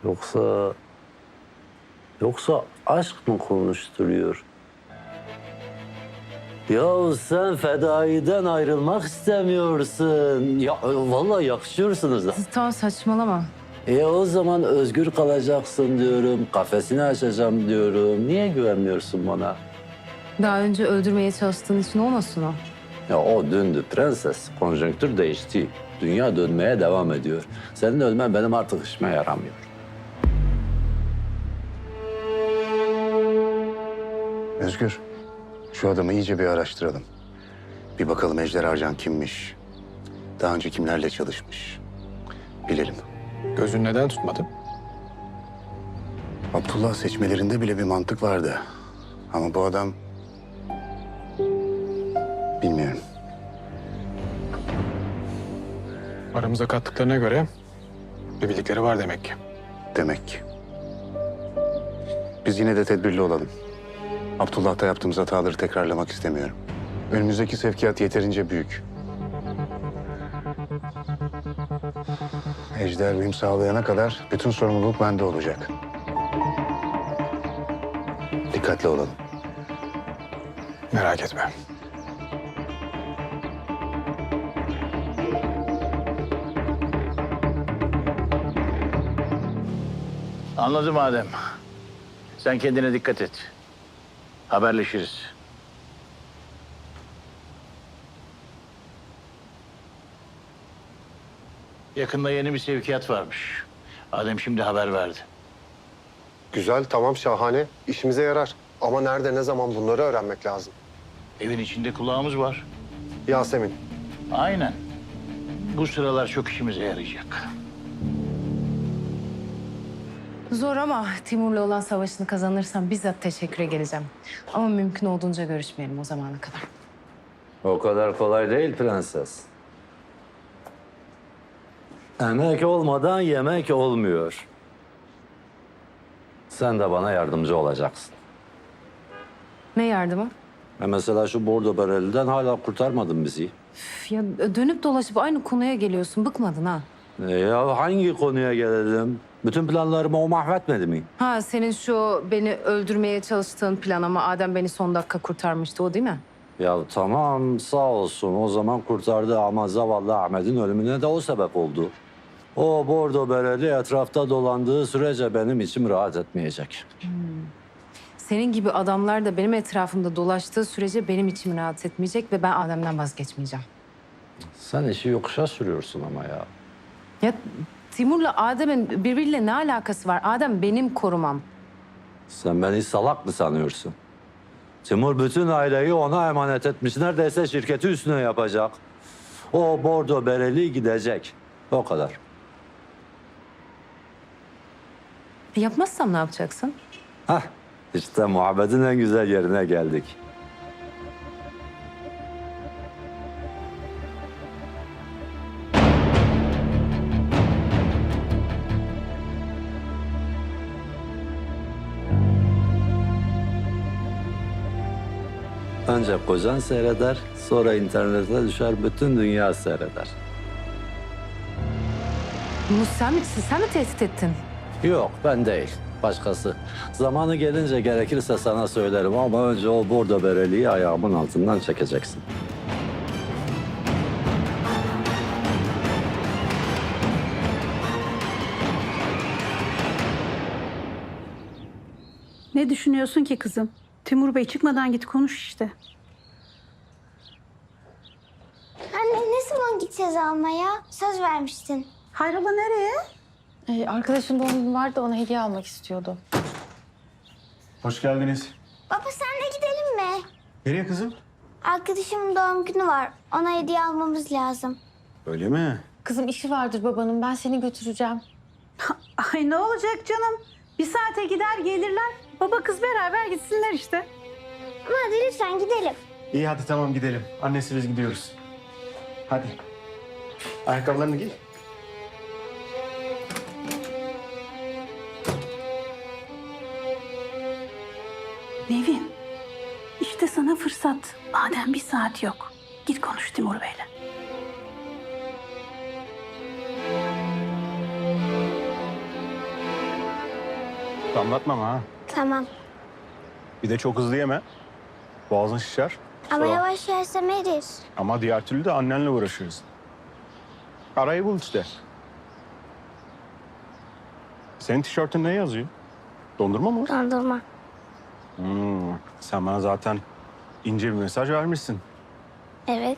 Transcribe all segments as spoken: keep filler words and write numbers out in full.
Yoksa... Yoksa aşk mı konuşturuyor? Ya sen fedaiden ayrılmak istemiyorsun. Ya vallahi yakışıyorsunuz da. Tamam saçmalama. E o zaman özgür kalacaksın diyorum. Kafesini açacağım diyorum. Niye güvenmiyorsun bana? Daha önce öldürmeye çalıştığın için olmasın o? Ya o döndü prenses. Konjonktür değişti. Dünya dönmeye devam ediyor. Senin ölmen benim artık işime yaramıyor. Özgür, şu adamı iyice bir araştıralım. Bir bakalım Ejder Arcan kimmiş? Daha önce kimlerle çalışmış? Bilelim. Gözün neden tutmadı? Abdullah seçmelerinde bile bir mantık vardı. Ama bu adam... Bilmiyorum. Aramıza kattıklarına göre bir bildikleri var demek ki. Demek ki. Biz yine de tedbirli olalım. Abdullah'ta yaptığımız hataları tekrarlamak istemiyorum. Önümüzdeki sevkiyat yeterince büyük. Ejder benim sağlayana kadar bütün sorumluluk bende olacak. Dikkatli olalım. Merak etme. Anladım Adem. Sen kendine dikkat et. Haberleşiriz. Yakında yeni bir sevkiyat varmış. Adem şimdi haber verdi. Güzel, tamam, şahane. İşimize yarar. Ama nerede, ne zaman bunları öğrenmek lazım. Evin içinde kulağımız var. Yasemin, Aynen. Bu sıralar çok işimize yarayacak. Zor ama Timur'la olan savaşını kazanırsam bizzat teşekküre geleceğim. Ama mümkün olduğunca görüşmeyelim o zamana kadar. O kadar kolay değil prenses. Emek olmadan yemek olmuyor. Sen de bana yardımcı olacaksın. Ne yardımı? E mesela şu bordo bereliden hala kurtarmadın bizi. Üf, ya dönüp dolaşıp aynı konuya geliyorsun. Bıkmadın ha? E ya hangi konuya gelelim? Bütün planlarımı o mahvetmedi mi? Ha senin şu beni öldürmeye çalıştığın plan ama Adem beni son dakika kurtarmıştı o değil mi? Ya tamam sağ olsun o zaman kurtardı ama zavallı Ahmet'in ölümüne de o sebep oldu. O bordo bereli etrafta dolandığı sürece benim içim rahat etmeyecek. Senin gibi adamlar da benim etrafımda dolaştığı sürece benim içim rahat etmeyecek ve ben Adem'den vazgeçmeyeceğim. Sen işi yokuşa sürüyorsun ama ya. Ya Timur'la Adem'in birbiriyle ne alakası var? Adem benim korumam. Sen beni salak mı sanıyorsun? Timur bütün aileyi ona emanet etmiş. Neredeyse şirketi üstüne yapacak. O bordo bereli gidecek. O kadar. Yapmazsam ne yapacaksın? Hah, işte muhabbetin en güzel yerine geldik. Önce kocan seyreder, sonra internete düşer, bütün dünya seyreder. Bunu sen mi, sen mi tehdit ettin? Yok, ben değil. Başkası. Zamanı gelince gerekirse sana söylerim ama önce o bordo bereliği ayağımın altından çekeceksin. Ne düşünüyorsun ki kızım? Timur Bey çıkmadan git konuş işte. Anne ne zaman gideceğiz almaya? Söz vermiştin. Hayrola nereye? Ee, arkadaşım doğum günü vardı, ona hediye almak istiyordu. Hoş geldiniz. Baba sen de gidelim mi? Nereye kızım? Arkadaşımın doğum günü var. Ona hediye almamız lazım. Öyle mi? Kızım işi vardır babanın, ben seni götüreceğim. Ay ne olacak canım? Bir saate gider gelirler. Baba kız beraber gitsinler işte. Ama hadi lütfen gidelim. İyi hadi tamam gidelim. Annesi biz gidiyoruz. Hadi. Ayakkabılarını giy. Nevin, işte sana fırsat. Madem bir saat yok. Git konuş Timur Bey'le. Damlatmam ha. Tamam. Bir de çok hızlı yeme. Boğazın şişer. Ama Sonra- yavaş yersem erir. Ama diğer türlü de annenle uğraşırız. Arayı bul işte. Senin tişörtün ne yazıyor? Dondurma mı? Dondurma. Hmm, sen bana zaten ince bir mesaj vermişsin. Evet.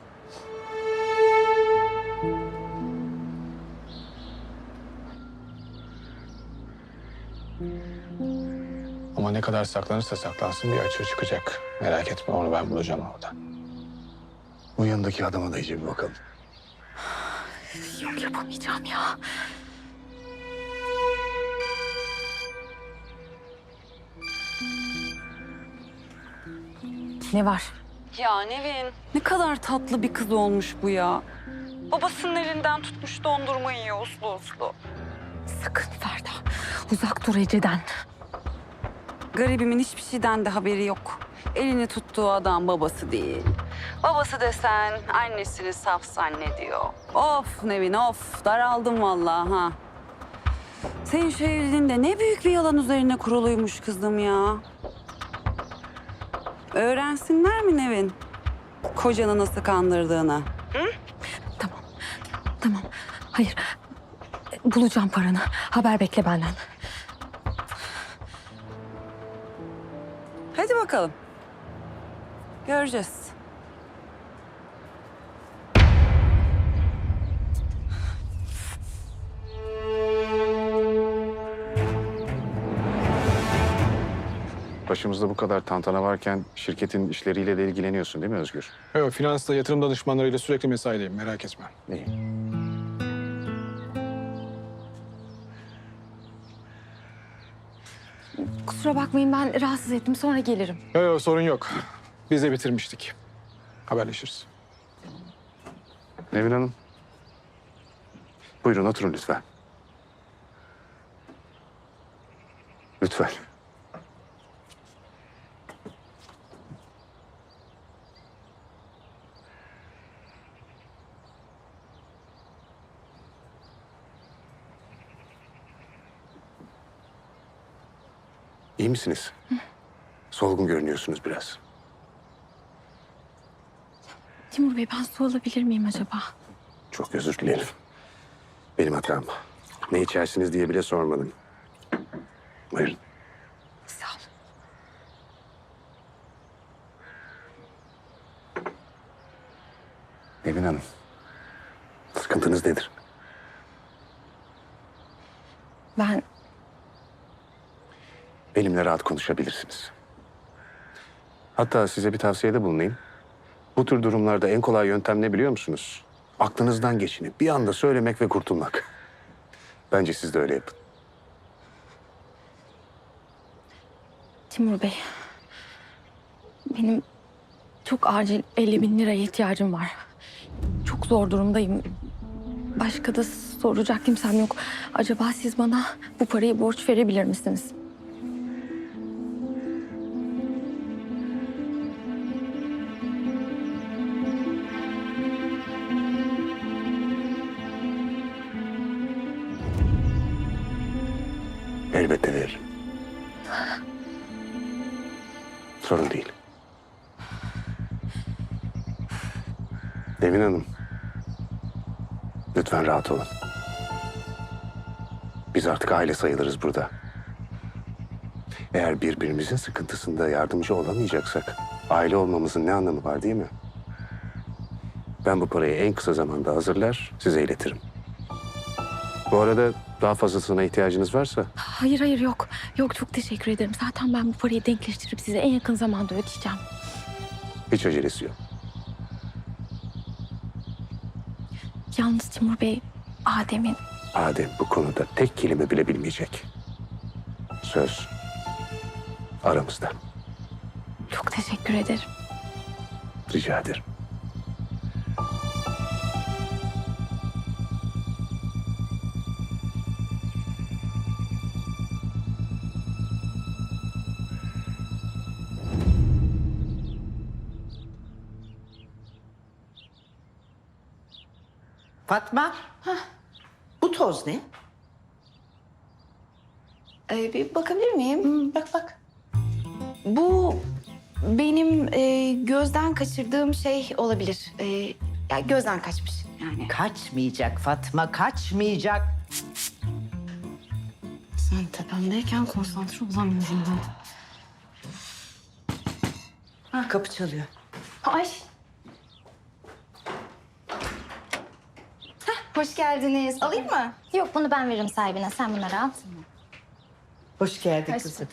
Ama ne kadar saklanırsa saklansın bir açığı çıkacak. Merak etme, onu ben bulacağım orada. Bu yanındaki adama da iyice bir bakalım. Yok yapamayacağım ya. Ne var? Ya Nevin, ne kadar tatlı bir kız olmuş bu ya. Babasının elinden tutmuş dondurma yiyor uslu uslu. Sakın Ferda. Uzak dur Ece'den. Garibimin hiçbir şeyden de haberi yok. Elini tuttuğu adam babası değil. Babası desen annesini saf zannediyor. Of Nevin of, daraldım vallahi ha. Senin şu evliliğin de ne büyük bir yalan üzerine kuruluymuş kızım ya. Öğrensinler mi Nevin? Kocanı nasıl kandırdığını. Tamam. Tamam. Hayır. Bulacağım paranı. Haber bekle benden. Hadi bakalım. Göreceğiz. Başımızda bu kadar tantana varken şirketin işleriyle de ilgileniyorsun değil mi Özgür? Evet, finansla yatırım danışmanlarıyla sürekli mesaideyim, merak etme. İyi. Kusura bakmayın ben rahatsız ettim. Sonra gelirim. Yok yok, sorun yok. Biz de bitirmiştik. Haberleşiriz. Nevin Hanım. Buyurun oturun lütfen. Lütfen. İyi misiniz? Solgun görünüyorsunuz biraz. Timur Bey ben su alabilir miyim acaba? Çok özür dilerim. Benim hatam. Ne içersiniz diye bile sormadım. Buyurun. Sağ ol. Nevin Hanım. Sıkıntınız nedir? Ben Benimle rahat konuşabilirsiniz. Hatta size bir tavsiyede bulunayım. Bu tür durumlarda en kolay yöntem ne biliyor musunuz? Aklınızdan geçini bir anda söylemek ve kurtulmak. Bence siz de öyle yapın. Timur Bey. Benim çok acil elli bin liraya ihtiyacım var. Çok zor durumdayım. Başka da soracak kimsem yok. Acaba siz bana bu parayı borç verebilir misiniz? Elbette veririm. Sorun değil. Nevin Hanım. Lütfen rahat olun. Biz artık aile sayılırız burada. Eğer birbirimizin sıkıntısında yardımcı olamayacaksak aile olmamızın ne anlamı var değil mi? Ben bu parayı en kısa zamanda hazırlar, size iletirim. Bu arada daha fazlasına ihtiyacınız varsa Hayır hayır yok. Yok çok teşekkür ederim. Zaten ben bu parayı denkleştirip size en yakın zamanda ödeyeceğim. hiç acelesi yok. Yalnız Timur Bey, Adem'in Adem bu konuda tek kelime bile bilmeyecek. Söz aramızda. çok teşekkür ederim. Rica ederim. Fatma. Bu toz ne? Ee, bir bakabilir miyim? Bak bak. Bu benim e, gözden kaçırdığım şey olabilir. E, ya gözden kaçmış yani. Kaçmayacak Fatma, kaçmayacak. Sen tepemdeyken konsantre olamıyorum ben. Ha, kapı çalıyor. Ay. Heh, hoş geldiniz. Alayım mı? Yok bunu ben veririm sahibine. Sen bunları al. Hoş geldin Hoş kızım.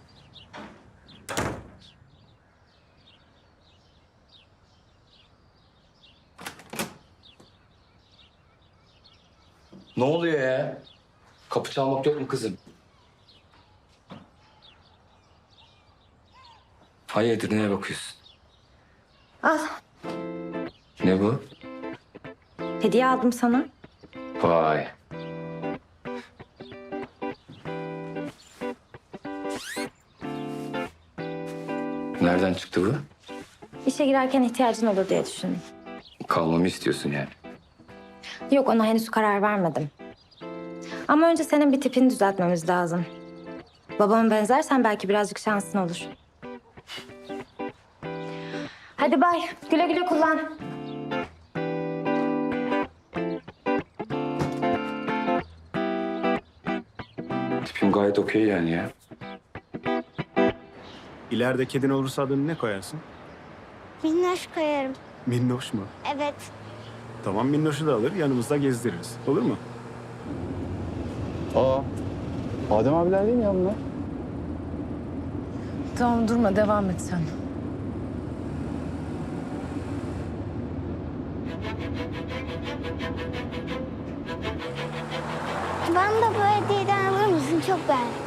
Ne oluyor ya? Kapı çalmak yok mu kızım? Hayırdır, neye bakıyorsun? Al. Ne bu? Hediye aldım sana. Vay. Nereden çıktı bu? İşe girerken ihtiyacın olur diye düşündüm. Kalmamı istiyorsun yani. Yok, ona henüz karar vermedim. Ama önce senin bir tipini düzeltmemiz lazım. Babama benzersen belki birazcık şansın olur. Hadi bay. Güle güle kullan. Tipim gayet okey yani ya. İleride kedin olursa adını ne koyarsın? Minnoş koyarım. Minnoş mu? Evet. Tamam, Minnoş'u da alır, yanımızda gezdiririz. Olur mu? Aa, Adem abiler değil mi ya bunlar? Tamam durma devam et sen. Bana da bu hediyeden alır mısın? Çok beğendim.